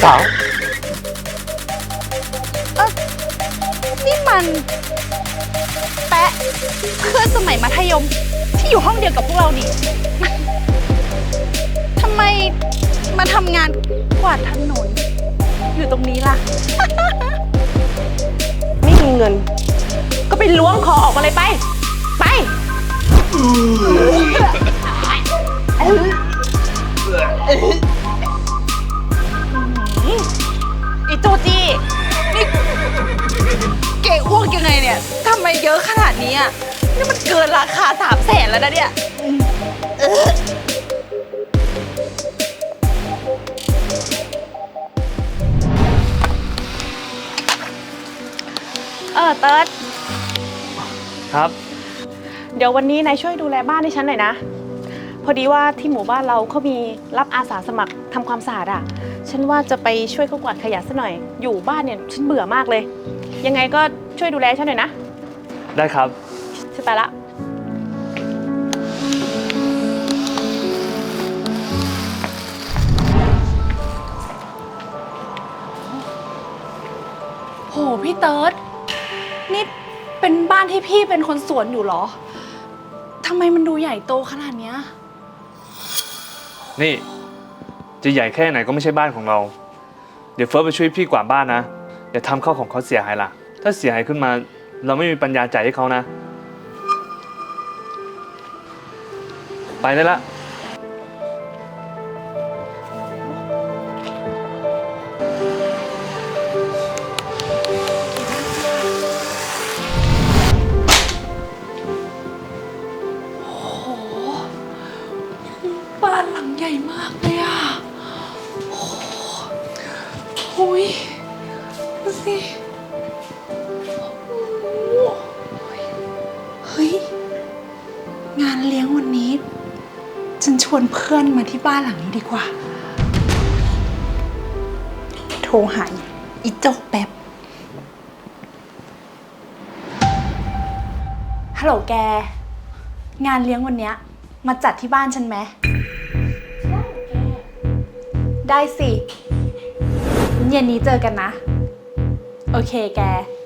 สาวนี่มันแปะเพื่อนสมัยมัธยมที่อยู่ห้องเดียวกับพวกเรานี่ ทำไมมาทำงานกวาดถนนอยู่ตรงนี้ล่ะไม่มีเงินก็ไปล้วงคอออกมาเลยไปอีตูจี้นี่เก๋อ้วกยังไงเนี่ยทำไมเยอะขนาดนี้อ่ะนี่มันเกินราคา300,000แล้วนะเนี่ยเติร์ดครับเดี๋ยววันนี้นายช่วยดูแลบ้านให้ฉันหน่อยนะพอดีว่าที่หมู่บ้านเราเขามีรับอาสาสมัครทำความสะอาดอ่ะฉันว่าจะไปช่วยเขากวาดขยะซะหน่อยอยู่บ้านเนี่ยฉันเบื่อมากเลยยังไงก็ช่วยดูแลฉันหน่อยนะได้ครับฉันไปละโหพี่เติร์ดนี่เป็นบ้านที่พี่เป็นคนสวนอยู่เหรอทำไมมันดูใหญ่โตขนาดเนี้ยนี่จะใหญ่แค่ไหนก็ไม่ใช่บ้านของเรา เดี๋ยวเฟิร์สไปช่วยพี่กวาดบ้านนะอย่าทำข้าวของเขาเสียหายล่ะถ้าเสียหายขึ้นมาเราไม่มีปัญญาจ่ายให้เขานะไปได้ละบ้านหลังใหญ่มากเลยอ่ะโอ้ยดูสิเฮ้ยงานเลี้ยงวันนี้ฉันชวนเพื่อนมาที่บ้านหลังนี้ดีกว่าโทรหาอีโจ๊กแป๊บฮัลโหลแกงานเลี้ยงวันเนี้ยมาจัดที่บ้านฉันไหมได้สิเย็นนี้เจอกันนะโอเคแก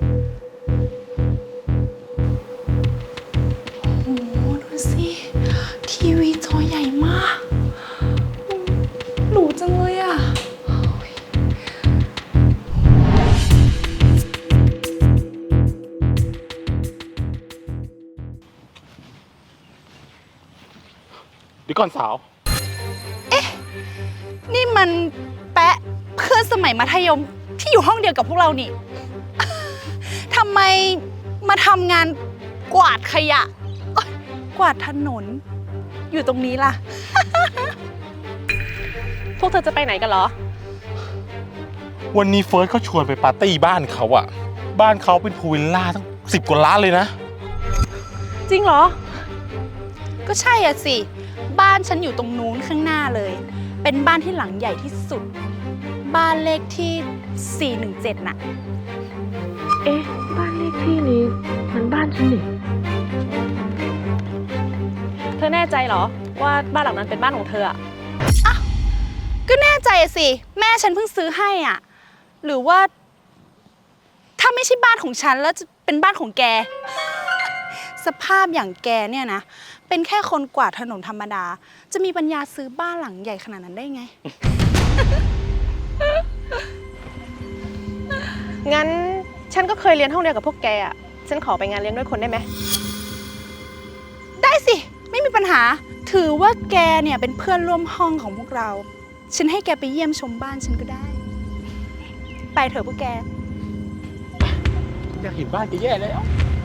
โอ้โหดูสิทีวีจอใหญ่มากหรูจังเลยอ่ะเดี๋ยวก่อนสาวนี่มันแปะเพื่อนสมัยมัธยมที่อยู่ห้องเดียวกับพวกเรานี่ ทำไมมาทำงานกวาดขยะกวาดถนนอยู่ตรงนี้ล่ะพวกเธอจะไปไหนกันเหรอวันนี้เฟิร์สเขาชวนไปปาร์ตี้บ้านเขาอะบ้านเขาเป็นพูลวิลล่าตั้ง10 กว่าล้านเลยนะจริงเหรอก็ใช่อ่ะสิบ้านฉันอยู่ตรงนู้นข้างหน้าเลยเป็นบ้านที่หลังใหญ่ที่สุดบ้านเลขที่417น่ะเอ๊ะบ้านเลขที่นี้มันบ้านฉันนี่เธอแน่ใจเหรอว่าบ้านหลังนั้นเป็นบ้านของเธออะก็แน่ใจสิแม่ฉันเพิ่งซื้อให้อ่ะหรือว่าถ้าไม่ใช่บ้านของฉันแล้วจะเป็นบ้านของแก สภาพอย่างแกเนี่ยนะเป็นแค่คนกวาดถนนธรรมดาจะมีปัญญาซื้อบ้านหลังใหญ่ขนาดนั้นได้ไงงั้นฉันก็เคยเรียนห้องเดียวกับพวกแกอ่ะฉันขอไปงานเลี้ยงด้วยคนได้ไหมได้สิไม่มีปัญหาถือว่าแกเนี่ยเป็นเพื่อนร่วมห้องของพวกเราฉันให้แกไปเยี่ยมชมบ้านฉันก็ได้ไปเถอะพวกแกอยากเห็นบ้านแกแย่แล้ว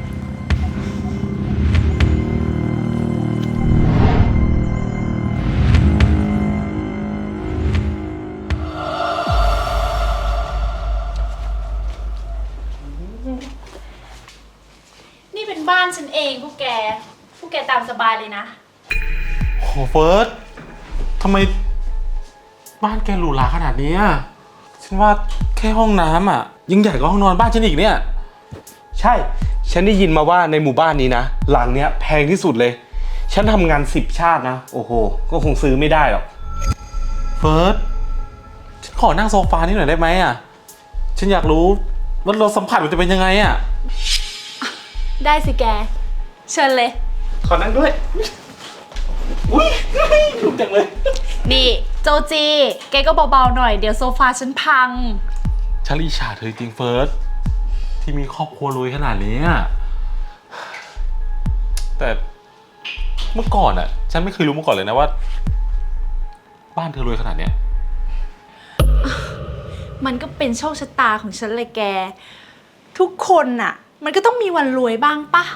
นี่เป็นบ้านฉันเองพวกแกตามสบายเลยนะโหเฟิร์สทำไมบ้านแกหรูหราขนาดนี้ฉันว่าแค่ห้องน้ำยังใหญ่กว่าห้องนอนบ้านฉันอีกเนี่ยใช่ฉันได้ยินมาว่าในหมู่บ้านนี้นะหลังเนี้ยแพงที่สุดเลยฉันทำงาน10 ชาตินะโอ้โหก็คงซื้อไม่ได้หรอกเฟิร์สฉันขอนั่งโซฟานี่หน่อยได้ไหมอ่ะ ฉันอยากรู้ว่ารสสัมผัสมันจะเป็นยังไงอ่ะได้สิแก เชิญเลยขอนั่งด้วย อุ้ยถูกจังเลยนี่โจจี แกก็เบาๆหน่อย เดี๋ยวโซฟาฉันพังฉันอิจฉาเธอจริงเฟิร์สที่มีครอบครัวรวยขนาดนี้อะแต่เมื่อก่อนอ่ะ ฉันไม่เคยรู้มาก่อนเลยนะว่า บ้านเธอรวยขนาดเนี้ยมันก็เป็นโชคชะตาของฉันเลยแก ทุกคนน่ะ มันก็ต้องมีวันรวยบ้างปะ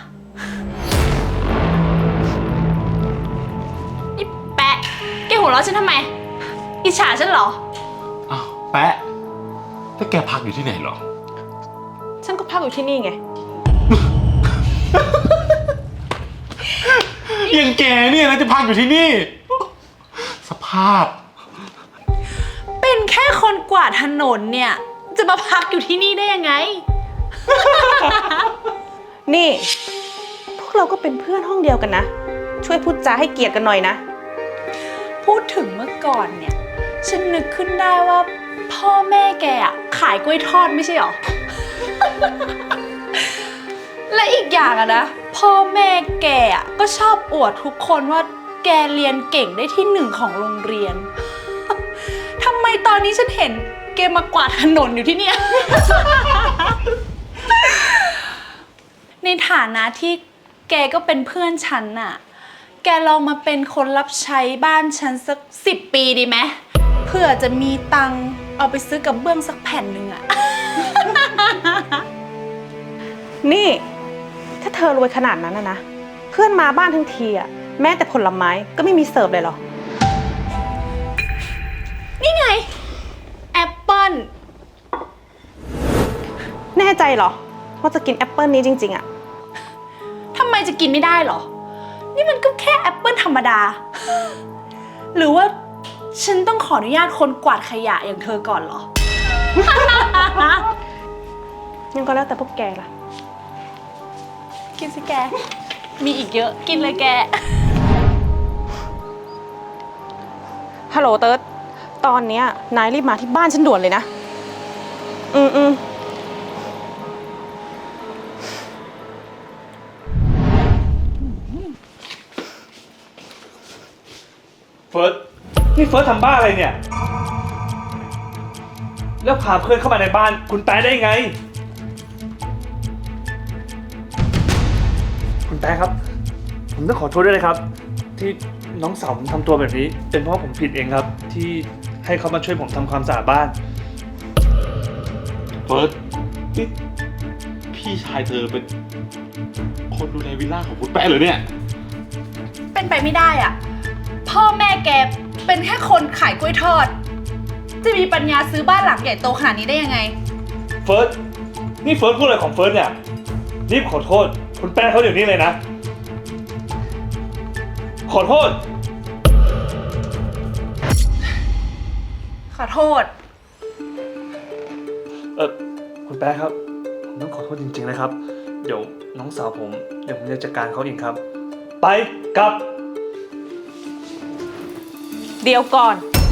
นี่แปะ แกหัวเราะฉันทำไม อิจฉาฉันเหรออ้าวแปะถ้าแกพักอยู่ที่ไหนเหรอฉันก็พักอยู่ที่นี่ไงอย่างแกเนี่ยนะจะพักอยู่ที่นี่ สภาพเป็นแค่คนกวาดถนนเนี่ย จะมาพักอยู่ที่นี่ได้ยังไงนี่ พวกเราก็เป็นเพื่อนห้องเดียวกันนะ ช่วยพูดจาให้เกียรติกันหน่อยนะพูดถึงเมื่อก่อนเนี่ย ฉันนึกขึ้นได้ว่าพ่อแม่แกอะขายกล้วยทอดไม่ใช่หรอ และอีกอย่างอะนะ พ่อแม่แกอะก็ชอบอวดทุกคนว่าแกเรียนเก่งได้ที่หนึ่งของโรงเรียน ทำไมตอนนี้ฉันเห็นแกมากวาดถนนอยู่ที่เนี่ย ในฐานะที่แกก็เป็นเพื่อนฉันน่ะ แกลองมาเป็นคนรับใช้บ้านฉันสัก10 ปีดีไหมเพื่อจะมีตังค์เอาไปซื้อกับเบื้องสักแผ่นหนึ่งอะนี่ ถ้าเธอรวยขนาดนั้นนะ เพื่อนมาบ้านทั้งทีอะแม้แต่ผลไม้ก็ไม่มีเสิร์ฟเลยเหรอนี่ไง แอปเปิ้ลแน่ใจเหรอ ว่าจะกินแอปเปิลนี้จริงๆอะทำไมจะกินไม่ได้เหรอ นี่มันก็แค่แอปเปิ้ลธรรมดา หรือว่าฉันต้องขออนุญาตคนกวาดขยะอย่างเธอก่อนเหรองั้นก็แล้วแต่พวกแกล่ะกินสิแก มีอีกเยอะ กินเลยแกฮัลโหลเติร์ดตอนเนี้ยนายรีบมาที่บ้านฉันด่วนเลยนะ อืมเฟิร์สนี่เฟิร์สทำบ้าอะไรเนี่ย แล้วพาเพื่อนเข้ามาในบ้านคุณแป๊ะได้ไง คุณแป๊ะครับ ผมต้องขอโทษด้วยนะครับ ที่น้องสาวผมทำตัวแบบนี้ เป็นเพราะผมผิดเองครับ ที่ให้เขามาช่วยผมทำความสะอาดบ้านเฟิร์สนี่พี่ชายเธอเป็นคนดูแลวิลล่าของคุณแป๊ะเหรอเนี่ยเป็นไปไม่ได้อ่ะ พ่อแม่แกเป็นแค่คนขายกล้วยทอด จะมีปัญญาซื้อบ้านหลังใหญ่โตขนาดนี้ได้ยังไงเฟิร์สนี่เฟิร์สพูดอะไรของเฟิร์สเนี่ย รีบขอโทษ คุณแป๊ะเขาเดี๋ยวนี้เลยนะ ขอโทษขอโทษคุณแป๊ะครับ ผมต้องขอโทษจริงๆนะครับ เดี๋ยวน้องสาวผมจะจัดการเขาเองครับ ไปกลับเดี๋ยวก่อน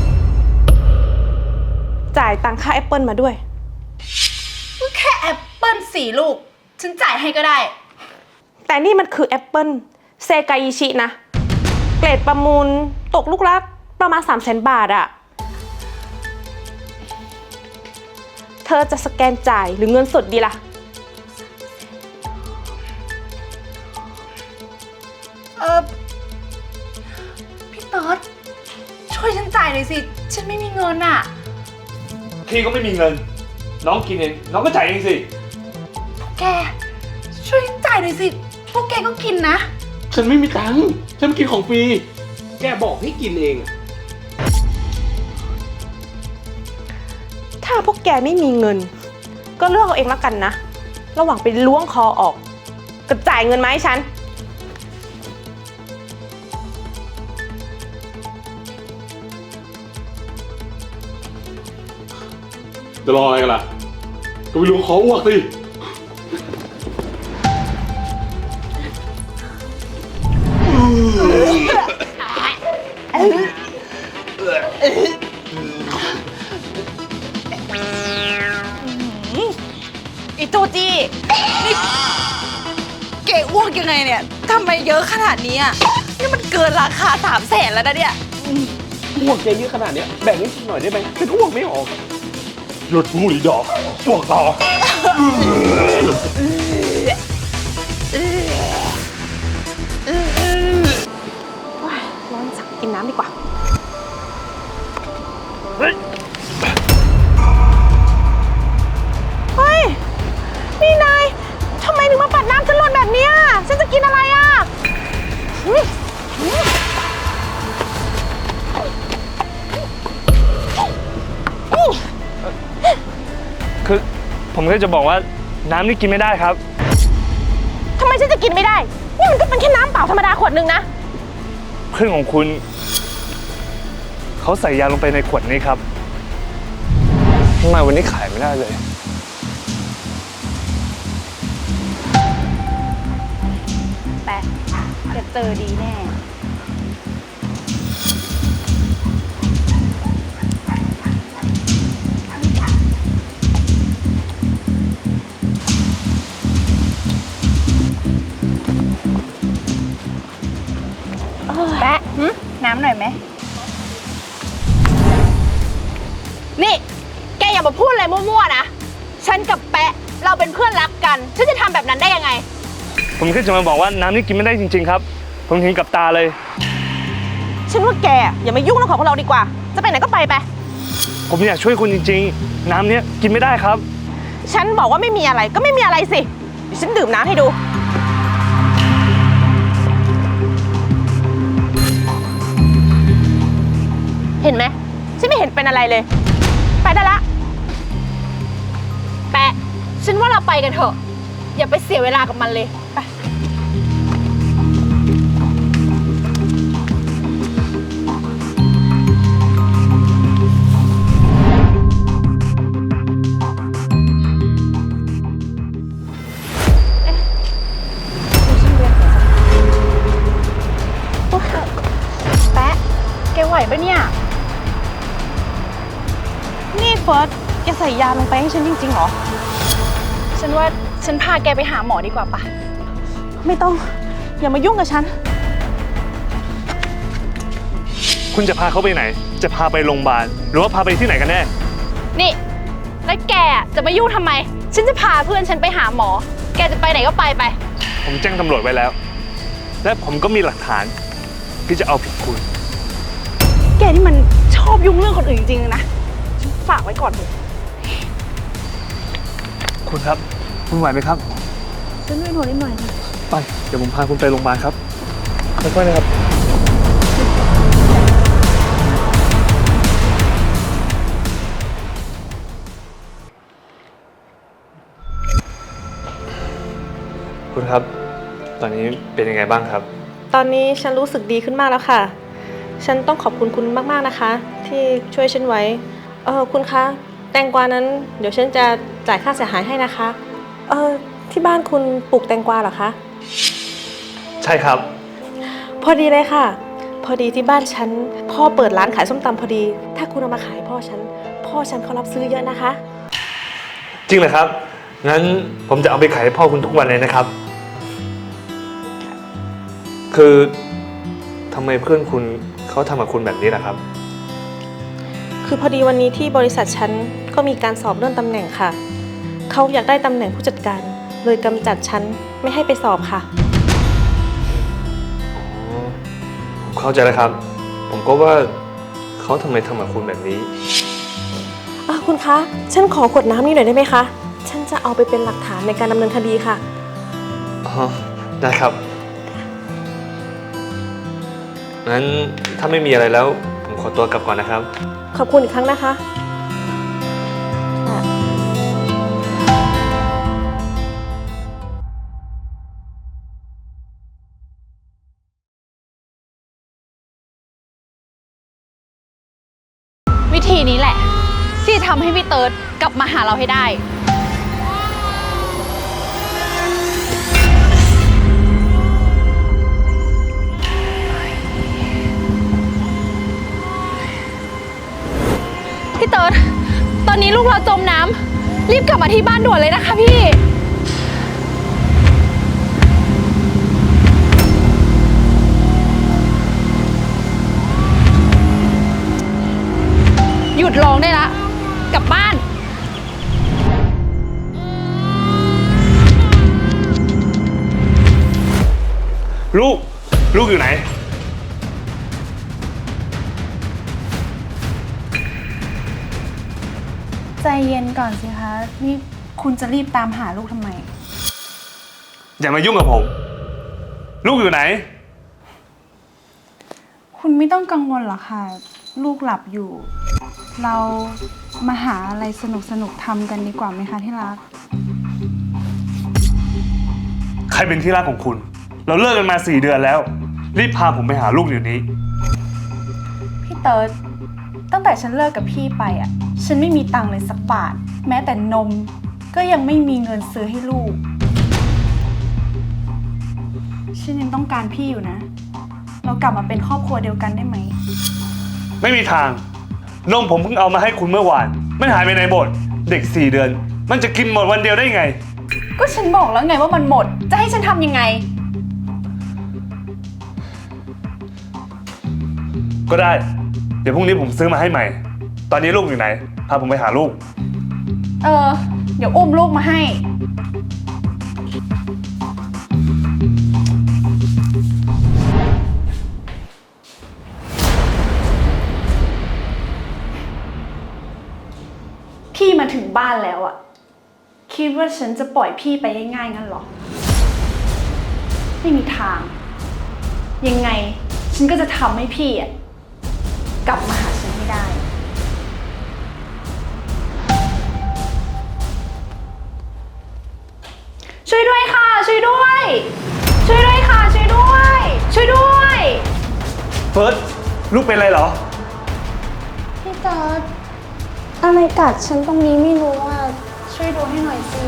จ่ายตังค่าแอปเปิลมาด้วยก็แค่แอปเปิ้ล4 ลูก ฉันจ่ายให้ก็ได้แต่นี่มันคือแอปเปิลเซกาอิชินะ เกรดประมูลตกลูกละประมาณ 300,000 บาทอะเธอจะสแกนจ่ายหรือเงินสดดีล่ะพี่เติร์ดช่วยฉันจ่ายหน่อยสิ ฉันไม่มีเงินอ่ะพี่ก็ไม่มีเงิน น้องกินเอง น้องก็จ่ายเองสิแก ช่วยฉันจ่ายหน่อยสิ พวกแกก็กินนะฉันไม่มีตังค์ ฉันกินของฟรี แกบอกให้กินเองถ้าพวกแกไม่มีเงิน ก็เลือกเอาเองแล้วกันนะ ระหว่างไปล้วงคอออกกับจ่ายเงินมาให้ฉันจะรออะไรกันล่ะ ก็ไปล้วงคออ้วกสิเยอะขนาดนี้อ่ะนี่มันเกินราคา300,000แล้วนะเนี่ยห่วงแกเยอะขนาดเนี้ยแบ่งให้ฉันหน่อยได้ไหมฉันห่วงไม่ออกหยุดพูดอีดอกพวกต่อร้อนสักกินน้ำดีกว่า เฮ้ย นี่นาย ทำไมถึงมาปัดน้ำฉันหล่นแบบเนี้ยฉันจะกินอะไรอ่ะคือผมแค่จะบอกว่าน้ำนี่กินไม่ได้ครับทำไมฉันจะกินไม่ได้ นี่มันก็เป็นแค่น้ำเปล่าธรรมดาขวดนึงนะเพื่อนของคุณ เขาใส่ยาลงไปในขวดนี้ครับทำไมวันนี้ขายไม่ได้เลยแปะจะเจอดีแน่ แปะน้ำหน่อยไหม นี่ แกอย่ามาพูดอะไรมั่วๆนะ ฉันกับแปะเราเป็นเพื่อนรักกัน ฉันจะทำแบบนั้นได้ยังไงผมแค่จะมาบอกว่าน้ำนี่กินไม่ได้จริงๆครับ ผมเห็นกับตาเลยฉันว่าแกอย่ามายุ่งเรื่องของเราดีกว่า จะไปไหนก็ไปไปผมอยากช่วยคุณจริงๆ น้ำเนี้ยกินไม่ได้ครับฉันบอกว่าไม่มีอะไรก็ไม่มีอะไรสิ เดี๋ยวฉันดื่มน้ำให้ดู เห็นไหมฉันไม่เห็นเป็นอะไรเลย ไปได้ละแปะ ฉันว่าเราไปกันเถอะ อย่าไปเสียเวลากับมันเลย ไป แปะ แกไหวปะเนี่ยนี่เฟิร์สแกใส่ยาลงไปให้ฉันจริงๆเหรอฉันว่าฉันพาแกไปหาหมอดีกว่าปะไม่ต้อง อย่ามายุ่งกับฉันคุณจะพาเขาไปไหน จะพาไปโรงพยาบาลหรือว่าพาไปที่ไหนกันแน่นี่ แล้วแกจะมายุ่งทำไม ฉันจะพาเพื่อนฉันไปหาหมอ แกจะไปไหนก็ไปไปผมแจ้งตำรวจไว้แล้ว และผมก็มีหลักฐานที่จะเอาผิดคุณแกนี่มันชอบยุ่งเรื่องคนอื่นจริงๆนะ ฉันฝากไว้ก่อนเถอะคุณครับ คุณไหวไหมครับฉันไม่หนวดนิดหน่อยนะไป เดี๋ยวผมพาคุณไปโรงพยาบาลครับค่อยๆนะครับ คุณครับ ตอนนี้เป็นยังไงบ้างครับตอนนี้ฉันรู้สึกดีขึ้นมากแล้วค่ะ ฉันต้องขอบคุณคุณมากๆนะคะ ที่ช่วยฉันไว้ คุณคะ แตงกวานั้นเดี๋ยวฉันจะจ่ายค่าเสียหายให้นะคะ ที่บ้านคุณปลูกแตงกวาเหรอคะใช่ครับพอดีเลยค่ะ พอดีที่บ้านฉันพ่อเปิดร้านขายส้มตำพอดี ถ้าคุณเอามาขายพ่อฉันเขารับซื้อเยอะนะคะจริงเหรอครับ งั้นผมจะเอาไปขายให้พ่อคุณทุกวันเลยนะครับ คือทำไมเพื่อนคุณเขาทำกับคุณแบบนี้ล่ะครับคือพอดีวันนี้ที่บริษัทฉันก็มีการสอบเลื่อนตำแหน่งค่ะ เขาอยากได้ตำแหน่งผู้จัดการ เลยกำจัดฉันไม่ให้ไปสอบค่ะผมเข้าใจแล้วครับ ผมก็ว่าเขาทำไมทำกับคุณแบบนี้คุณคะ ฉันขอกดน้ำนี่หน่อยได้ไหมคะ ฉันจะเอาไปเป็นหลักฐานในการดำเนินคดีค่ะอ๋อ ได้ครับ งั้นถ้าไม่มีอะไรแล้ว ผมขอตัวกลับก่อนนะครับขอบคุณอีกครั้งนะคะวิธีนี้แหละ ที่จะทำให้พี่เติร์ดกลับมาหาเราให้ได้ พี่เติร์ดตอนนี้ลูกเราจมน้ำรีบกลับมาที่บ้านด่วนเลยนะคะพี่ลูก ลูกอยู่ไหนใจเย็นก่อนสิคะ นี่คุณจะรีบตามหาลูกทำไมอย่ามายุ่งกับผม ลูกอยู่ไหนคุณไม่ต้องกังวลหรอกค่ะ ลูกหลับอยู่ เรามาหาอะไรสนุกๆทำกันดีกว่าไหมคะที่รักใครเป็นที่รักของคุณ เราเลิกกันมา4 เดือนแล้ว รีบพาผมไปหาลูกเดี๋ยวนี้พี่เติร์ดตั้งแต่ฉันเลิกกับพี่ไปอ่ะ ฉันไม่มีตังค์เลยสักบาท แม้แต่นมก็ยังไม่มีเงินซื้อให้ลูก ฉันยังต้องการพี่อยู่นะ เรากลับมาเป็นครอบครัวเดียวกันได้ไหมไม่มีทาง นมผมเพิ่งเอามาให้คุณเมื่อวาน มันหายไปไหนหมด เด็ก4 เดือน มันจะกินหมดวันเดียวได้ไงก็ฉันบอกแล้วไงว่ามันหมด จะให้ฉันทำยังไงก็ได้ เดี๋ยวพรุ่งนี้ผมซื้อมาให้ใหม่ ตอนนี้ลูกอยู่ไหน พาผมไปหาลูกเดี๋ยวอุ้มลูกมาให้ พี่มาถึงบ้านแล้วอะคิดว่าฉันจะปล่อยพี่ไปง่ายๆงั้นเหรอ ไม่มีทาง ยังไงฉันก็จะทำให้พี่อะกลับมาหาฉันให้ได้ ช่วยด้วยค่ะ ช่วยด้วย ช่วยด้วยค่ะ ช่วยด้วย ช่วยด้วยเฟิร์ส ลูกเป็นอะไรเหรอพี่จอร์ดอะไรกัดฉันตรงนี้ไม่รู้อ่ะ ช่วยดูให้หน่อยสิ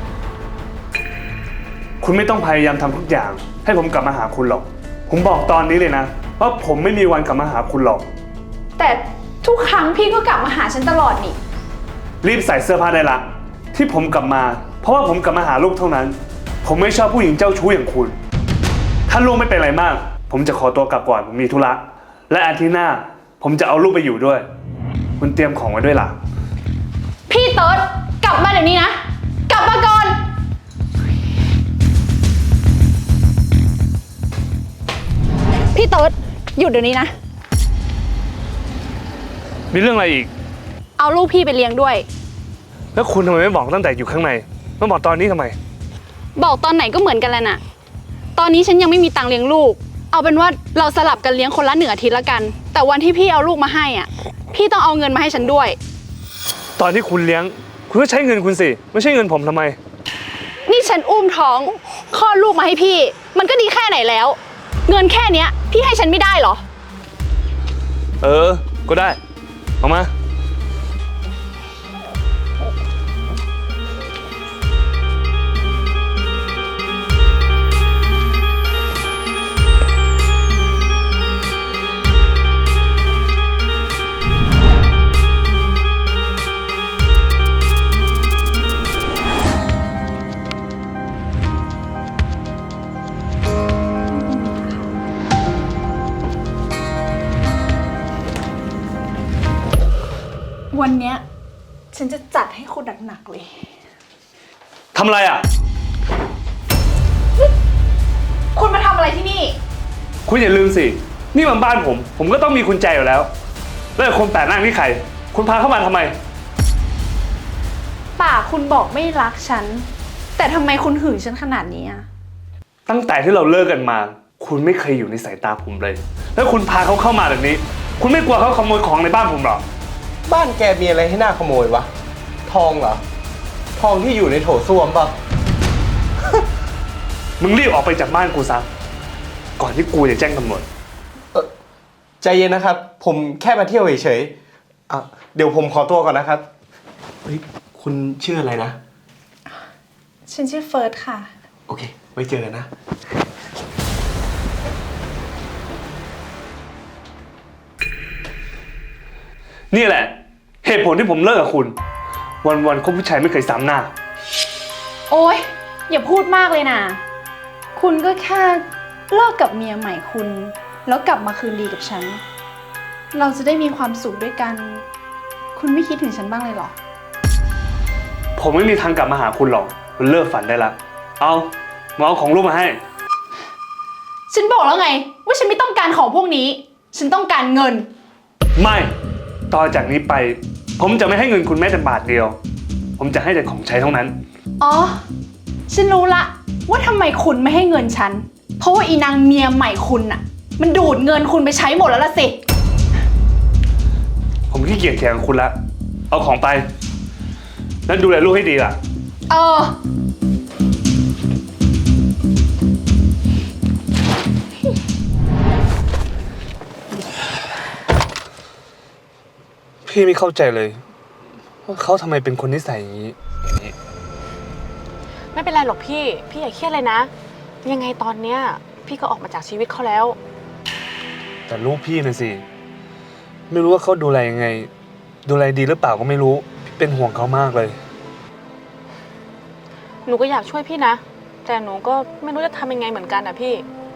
คุณไม่ต้องพยายามทำทุกอย่าง ให้ผมกลับมาหาคุณหรอก ผมบอกตอนนี้เลยนะว่าผมไม่มีวันกลับมาหาคุณหรอกแต่ทุกครั้งพี่ก็กลับมาหาฉันตลอดนี่รีบใส่เสื้อผ้าได้ละ ที่ผมกลับมา เพราะว่าผมกลับมาหาลูกเท่านั้น ผมไม่ชอบผู้หญิงเจ้าชู้อย่างคุณ ถ้าลูกไม่เป็นอะไรมาก ผมจะขอตัวกลับก่อน ผมมีธุระ และอาทิตย์หน้า ผมจะเอาลูกไปอยู่ด้วย คุณเตรียมของไว้ด้วยล่ะพี่เติร์ดกลับมาเดี๋ยวนี้นะ กลับมาก่อน พี่เติร์ดหยุดเดี๋ยวนี้นะมีเรื่องอะไรอีกเอาลูกพี่ไปเลี้ยงด้วยแล้วคุณทำไมไม่บอกตั้งแต่อยู่ข้างในมาบอกตอนนี้ทำไมบอกตอนไหนก็เหมือนกันแหละน่ะ ตอนนี้ฉันยังไม่มีตังค์เลี้ยงลูก เอาเป็นว่าเราสลับกันเลี้ยงคนละ1 อาทิตย์ละกัน แต่วันที่พี่เอาลูกมาให้อ่ะ พี่ต้องเอาเงินมาให้ฉันด้วยตอนที่คุณเลี้ยง คุณก็ใช้เงินคุณสิ ไม่ใช่เงินผมทำไมนี่ฉันอุ้มท้องคลอดลูกมาให้พี่ มันก็ดีแค่ไหนแล้ว เงินแค่เนี้ย พี่ให้ฉันไม่ได้เหรอก็ได้ เอามาวันเนี้ยฉันจะจัดให้คุณหนักๆเลยทำอะไรอ่ะคุณมาทำอะไรที่นี่คุณอย่าลืมสิ นี่มันบ้านผม ผมก็ต้องมีกุญแจอยู่แล้ว แล้วคนแปลกหน้านี่ใคร คุณพาเข้ามาทำไมป่ากคุณบอกไม่รักฉัน แต่ทำไมคุณหึงฉันขนาดนี้อะตั้งแต่ที่เราเลิกกันมา คุณไม่เคยอยู่ในสายตาผมเลย แล้วคุณพาเขาเข้ามาแบบนี้ คุณไม่กลัวเขาขโมยของในบ้านผมหรอบ้านแกมีอะไรให้น่าขโมยวะ ทองเหรอ ทองที่อยู่ในโถส้วมปะมึงรีบออกไปจากบ้านกูซะ ก่อนที่กูจะแจ้งตำรวจใจเย็นนะครับ ผมแค่มาเที่ยวเฉยๆอ่ะเดี๋ยวผมขอตัวก่อนนะครับ เฮ้ย คุณชื่ออะไรนะฉันชื่อเฟิร์สค่ะโอเค ไว้เจอกันนะนี่แหละ เหตุผลที่ผมเลิกกับคุณ วันๆคบผู้ชายไม่เคยซ้ำหน้าโอ๊ย อย่าพูดมากเลยนะ คุณก็แค่เลิกกับเมียใหม่คุณ แล้วกลับมาคืนดีกับฉัน เราจะได้มีความสุขด้วยกัน คุณไม่คิดถึงฉันบ้างเลยเหรอผมไม่มีทางกลับมาหาคุณหรอก มันเลิกฝันได้ละ เอามาเอาของลูกมาให้ฉันบอกแล้วไง ว่าฉันไม่ต้องการของพวกนี้ ฉันต้องการเงินไม่ ต่อจากนี้ไป ผมจะไม่ให้เงินคุณแม้แต่บาทเดียว ผมจะให้แต่ของใช้เท่านั้นอ๋อ ฉันรู้ละว่าทำไมคุณไม่ให้เงินฉัน เพราะว่าอีนางเมียใหม่คุณน่ะ มันดูดเงินคุณไปใช้หมดแล้วล่ะสิผมขี้เกียจเถียงกับคุณละ เอาของไป แล้วดูแลลูกให้ดีล่ะเออพี่ไม่เข้าใจเลยว่าเขาทำไมเป็นคนนิสัยอย่างนี้ไม่เป็นไรหรอกพี่อย่าเครียดเลยนะ ยังไงตอนเนี้ยพี่ก็ออกมาจากชีวิตเขาแล้วแต่ลูกพี่นะสิ ไม่รู้ว่าเขาดูแลยังไง ดูแลดีหรือเปล่าก็ไม่รู้ พี่เป็นห่วงเขามากเลยหนูก็อยากช่วยพี่นะ แต่หนูก็ไม่รู้จะทำยังไงเหมือนกันนะพี่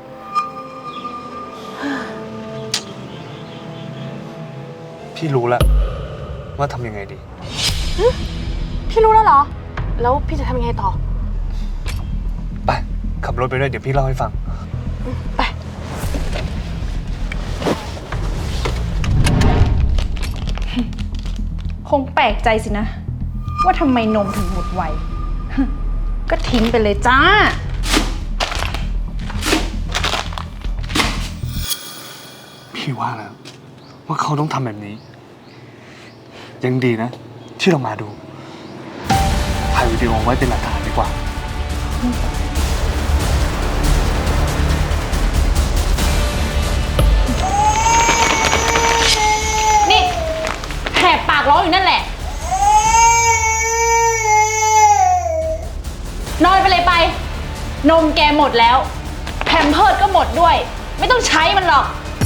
พี่รู้แล้วว่าทำยังไงดีพี่รู้แล้วเหรอ แล้วพี่จะทำยังไงต่อไป ขับรถไปด้วยเดี๋ยวพี่เล่าให้ฟังไปคงแปลกใจสินะ ว่าทำไมนมถึงหมดไว ก็ทิ้งไปเลยจ้าพี่ว่าแล้วว่าเขาต้องทำแบบนี้ ยังดีนะ ที่เรามาดู ถ่ายวิดีโอไว้เป็นหลักฐานดีกว่านี่แหกปากร้องอยู่นั่นแหละ นอนไปเลยไป นมแกหมดแล้ว แพมเพิร์สก็หมดด้วย ไม่ต้องใช้มันหรอก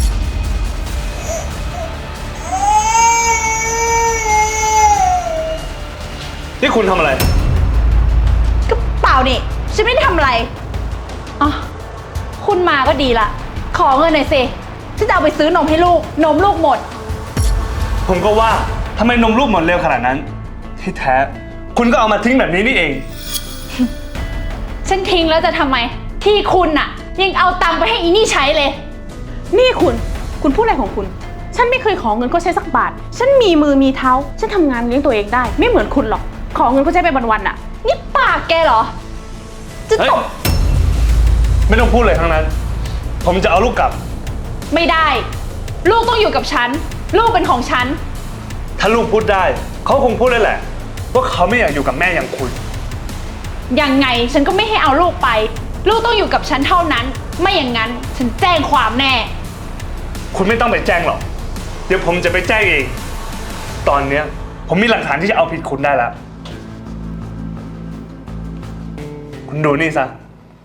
นี่คุณทำอะไรก็เปล่านี่ ฉันไม่ได้ทำอะไรอ๋อคุณมาก็ดีละ ขอเงินหน่อยสิ ฉันจะเอาไปซื้อนมให้ลูก นมลูกหมดผมก็ว่าทำไมนมลูกหมดเร็วขนาดนั้น ที่แท้ คุณก็เอามาทิ้งแบบนี้นี่เองฉันทิ้งแล้วจะทำไม ที่คุณน่ะ ยังเอาตังค์ไปให้อีนี่ใช้เลยนี่คุณพูดอะไรของคุณ ฉันไม่เคยขอเงินเขาใช้สักบาท ฉันมีมือมีเท้า ฉันทำงานเลี้ยงตัวเองได้ ไม่เหมือนคุณหรอก ขอเงินเขาใช้ไปวันๆอะนี่ปากแกเหรอ จะเฮ้ยตบไม่ต้องพูดเลยทั้งนั้น ผมจะเอาลูกกลับไม่ได้ ลูกต้องอยู่กับฉัน ลูกเป็นของฉันถ้าลูกพูดได้ เขาคงพูดได้แหละ ว่าเขาไม่อยากอยู่กับแม่อย่างคุณยังไงฉันก็ไม่ให้เอาลูกไป ลูกต้องอยู่กับฉันเท่านั้น ไม่อย่างนั้นฉันแจ้งความแน่คุณไม่ต้องไปแจ้งหรอก เดี๋ยวผมจะไปแจ้งเอง ตอนเนี้ยผมมีหลักฐานที่จะเอาผิดคุณได้แล้ว คุณดูนี่ซะ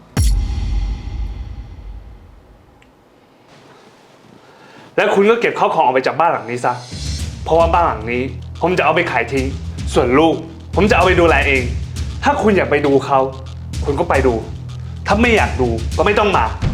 แล้วคุณก็เก็บข้าวของออกไปจากบ้านหลังนี้ซะ เพราะว่าบ้านหลังนี้ ผมจะเอาไปขายทิ้ง ส่วนลูก ผมจะเอาไปดูแลเอง ถ้าคุณอยากไปดูเขา คุณก็ไปดู ถ้าไม่อยากดูก็ไม่ต้องมา